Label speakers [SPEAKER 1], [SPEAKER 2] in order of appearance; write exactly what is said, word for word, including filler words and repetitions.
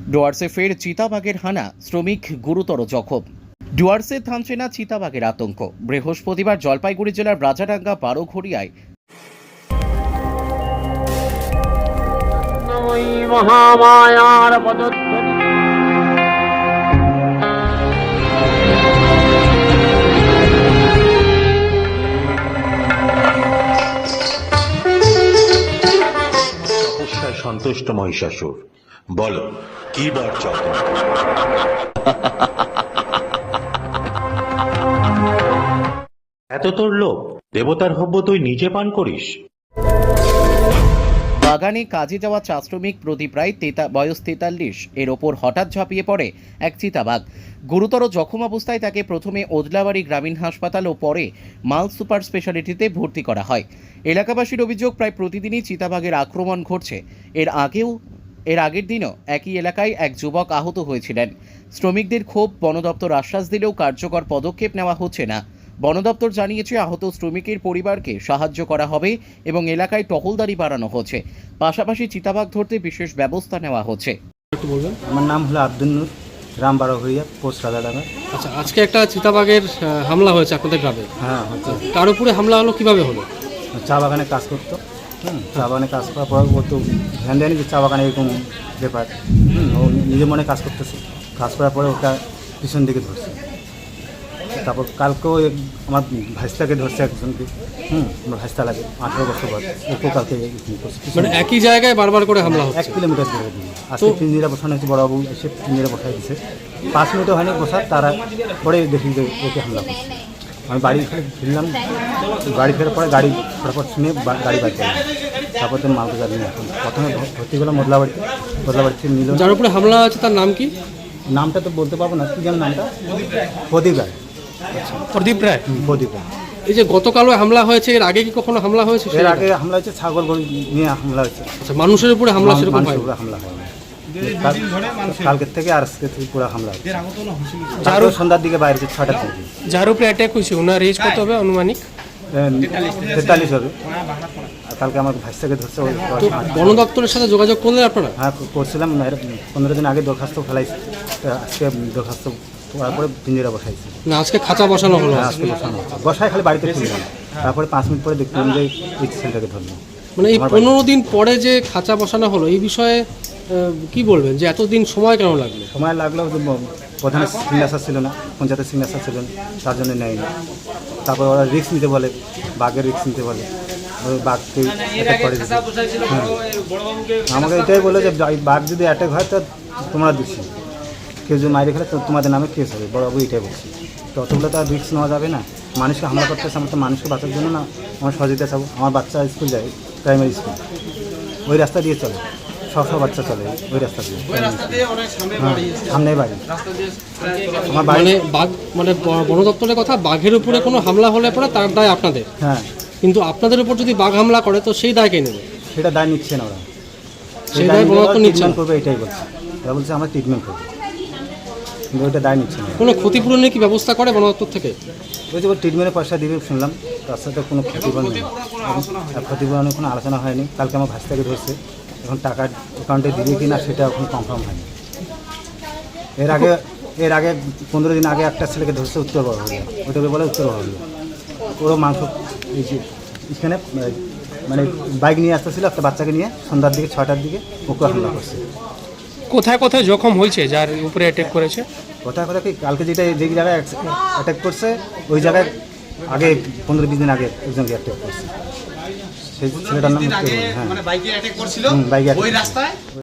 [SPEAKER 1] ডুয়ার্সে ফের চিতাবাঘের হানা, শ্রমিক গুরুতর জখম। ডুয়ার্সে থামছে না চিতাবাঘের আতঙ্ক। বৃহস্পতিবার জলপাইগুড়ি জেলার রাজাডাঙ্গা বারোঘড়িয়ায়
[SPEAKER 2] মহামায়ার পদধ্বনি
[SPEAKER 3] তপস্যায় সন্তুষ্ট মহিষাসুর, বলো কি বার চাও তুমি? এত তোর লোক, দেবতার হব্য তুই নিজে পান করিস?
[SPEAKER 1] বাগানে কাজে যাওয়া চা শ্রমিক প্রদীপ রায় তেতা বয়স তেতাল্লিশ এর ওপর হঠাৎ ঝাঁপিয়ে পড়ে এক চিতাবাঘ। গুরুতর জখম অবস্থায় তাকে প্রথমে ওদলাবাড়ি গ্রামীণ হাসপাতাল ও পরে মাল সুপার স্পেশালিটিতে ভর্তি করা হয়। এলাকাবাসীর অভিযোগ, প্রায় প্রতিদিনই চিতাবাঘের আক্রমণ ঘটছে। এর আগেও এর আগের দিনও একই এলাকায় এক যুবক আহত হয়েছিলেন। শ্রমিকদের ক্ষোভ, বন দপ্তর আশ্বাস দিলেও কার্যকর পদক্ষেপ নেওয়া হচ্ছে না। বন দপ্তর জানিয়েছে আহত শ্রমিকের পরিবারকে সাহায্য করা হবে এবং এলাকায় টহলদারি বাড়ানো হচ্ছে। পাশাপাশি চিতাবাঘ ধরতে বিশেষ ব্যবস্থা নেওয়া হচ্ছে।
[SPEAKER 4] একটু বলবেন।
[SPEAKER 5] আমার নাম হলো আব্দুল নূর, গ্রাম বারোঘড়িয়া, পোস্ট রাজাডাঙ্গা।
[SPEAKER 4] আচ্ছা, আজকে একটা চিতাবাঘের আহ, হামলা হয়েছে আপনাদের গ্রামে।
[SPEAKER 5] হ্যাঁ হচ্ছে।
[SPEAKER 4] কার উপরে হামলা হলো, কিভাবে হলো?
[SPEAKER 5] চা বাগানে কাজ করতো। হুম চা বাগানে কাজ করার পর ও তো ধ্যান দেয়নি যে চা বাগানে এরকম ব্যাপার। হুম ও নিজের মনে কাজ করতেছে। কাজ করার পরে ওটা পিছন দিকে ধরছে। তারপর কালকেও এক- আমার ভাইস্তাকে ধরছে একজনকে। হুম আমার ভাইস্তা লাগে, আঠেরো বছর বয়স। ওকেও কালকে এরকম করছে। পিছন
[SPEAKER 4] মানে একই জায়গায় বারবার করে হামলা
[SPEAKER 5] এক
[SPEAKER 4] হচ্ছে।
[SPEAKER 5] কিলোমিটার দূরে দিয়ে আজকে পিঞ্জিরা বসানো হয়েছে। বড়বাবু এসে পিঞ্জিরা বসাই দিচ্ছে। পাঁচ মিনিটও হয়নি বসার, তারা পরে দেখি যে ওকে হামলা করছে। আমি বাড়ি ফিরলাম, বাড়ি ফেরার পরে গাড়ি ফটাফট শুনে বা- গাড়ি বাইক করলাম। তারপর তো মালকে গাড়ি নিয়ে এখন প্রথমে ভ- ভর্তি করলাম মোদলাবাড়িতে। মোদলাবাড়ি থেকে নিল।
[SPEAKER 4] যার উপরে হামলা হয়েছে তার নাম কি?
[SPEAKER 5] নামটা তো বলতে পারবো না, কি যেন নামটা? প্রদীপ রায়।
[SPEAKER 4] প্রদীপ রায়।
[SPEAKER 5] হুম, প্রদীপ রায়।
[SPEAKER 4] এই যে গতকালও হামলা হয়েছে, এর আগে কি কখনো হামলা হয়েছে?
[SPEAKER 5] এর আগে হামলা হয়েছে, ছাগল গরু নিয়ে হামলা হয়েছে।
[SPEAKER 4] আচ্ছা, মানুষের উপরে হামলা সেরকম হয়?
[SPEAKER 5] মানুষের উপরে হামলা হয় না। কাল- কালকের থেকে আর আজকে থেকে পুরো হামলা হয়েছে।
[SPEAKER 6] যারও
[SPEAKER 5] সন্ধ্যার দিকে বাইরে ছয়টার থেকে
[SPEAKER 6] যার উপরে অ্যাটাক হয়েছে ওনার এজ কত হবে আনুমানিক?
[SPEAKER 5] তেতাল্লিশ হবে। আর কালকে আমার ভাইস্তাকে ধরছে। ওই
[SPEAKER 4] তো বন দপ্তরের সাথে যোগাযোগ করলেন আপনারা?
[SPEAKER 5] হ্যাঁ করছিলাম, এর পনেরো দিন আগে দরখাস্ত ফেলাইছি। তো আজকে দরখাস্ত করার পরে পিঞ্জিরা বসাইছি।
[SPEAKER 4] না, আজকে খাঁচা বসানো হলো।
[SPEAKER 5] হ্যাঁ, আজকে বসানো হচ্ছে। বসায় খালি বাড়িতে ফিরলাম, তারপরে পাঁচ মিনিট পরে দেখলাম যে এই ছেলেটাকে ধরলাম।
[SPEAKER 4] মানে এই পনেরো দিন পরে যে খাঁচা বসানো হলো, এই বিষয়ে আহ, কি বলবেন যে এতদিন সময় কেন লাগলো?
[SPEAKER 5] সময় লাগলো যে ব- প্রধানের সিগনেচার ছিল না, পঞ্চায়েতের সিগনেচার ছিল না, তার জন্য নেয়নি। তারপর ওরা রিস্ক নিতে বলে, বাঘের রিস্ক নিতে বলে। ওই বাঘকে অ্যাটাক করে দিতে। হ্যাঁ। আমাকে এটাই বলে যে এই বাঘ যদি অ্যাটাক হয় তো তোমরা দিচ্ছি, কেউ যদি মাইরে খেলে তো তোমাদের নামে কেস হবে। বড়বাবু এটাই বলছি। তো অতগুলো তো আর রিস্ক নেওয়া যাবে না। মানুষকে হামলা করতেছে, আমরা তো মানুষকে বাঁচার জন্য না, আমার সহযোগিতা চাবো। আমার বাচ্চা স্কুল যায়, প্রাইমারি স্কুল, ওই রাস্তা দিয়ে চলে। সব সব বাচ্চা চলে ওই রাস্তা দিয়ে। হ্যাঁ, সামনেই বাড়ি আমার বাড়ি।
[SPEAKER 4] মানে বাঘ, মানে ব- বন দপ্তরের কথা, বাঘের উপরে কোনো হামলা হলে পরে তার দায় আপনাদের,
[SPEAKER 5] হ্যাঁ,
[SPEAKER 4] কিন্তু আপনাদের উপর যদি বাঘ হামলা করে তো সেই দায় কে নেবে?
[SPEAKER 5] সেটা দায় নিচ্ছে না ওরা।
[SPEAKER 4] সেই দায় বন দপ্তর নিচ্ছে না।
[SPEAKER 5] ট্রিটমেন্ট করবে এটাই বলছে। ওরা বলছে আমরা ট্রিটমেন্ট করবো, কিন্তু ওইটা দায় নিচ্ছে না।
[SPEAKER 4] কোনো ক্ষতিপূরণের কি ব্যবস্থা করে বন দপ্তর থেকে?
[SPEAKER 5] ওই যে ট্রিটমেন্টের পয়সা দিবে শুনলাম, তার সাথে কোনো ক্ষতিপূরণ নেই। আর ক্ষতিপূরণের কোনো আলোচনা হয়নি। কালকে আমার ভাইস্তাকে ধরছে, এখন টাকা অ্যাকাউন্টে দিবে কি না সেটা এখন কনফার্ম হয়নি। এর আগে এর আগে পনেরো দিন আগে একটা ছেলেকে ধরছে উত্তর বড়বাড়িয়া, ওটাকে বলে উত্তর বড়বাড়িয়া। ওরও মাংস এই যে এখানে মানে বাইক নিয়ে আসতেছিল একটা বাচ্চাকে নিয়ে, সন্ধ্যার দিকে ছয়টার দিকে ওকে হামলা করছে।
[SPEAKER 6] কোথায় কোথায় জখম হয়েছে যার উপরে অ্যাটাক করেছে?
[SPEAKER 5] কোথায় কোথায় কি কালকে যেটা যে জায়গায় অ্যাটাক করছে ওই জায়গায় আগে পনেরো বিশ দিন আগে একজনকে অ্যাটাক করছে। সেই ছেলেটার নাম উত্তর বড়বাড়িয়া। হ্যাঁ,
[SPEAKER 7] মানে বাইকে অ্যাটাক করছিল
[SPEAKER 5] হুম, বাইকে
[SPEAKER 7] ওই
[SPEAKER 5] attack
[SPEAKER 7] রাস্তায়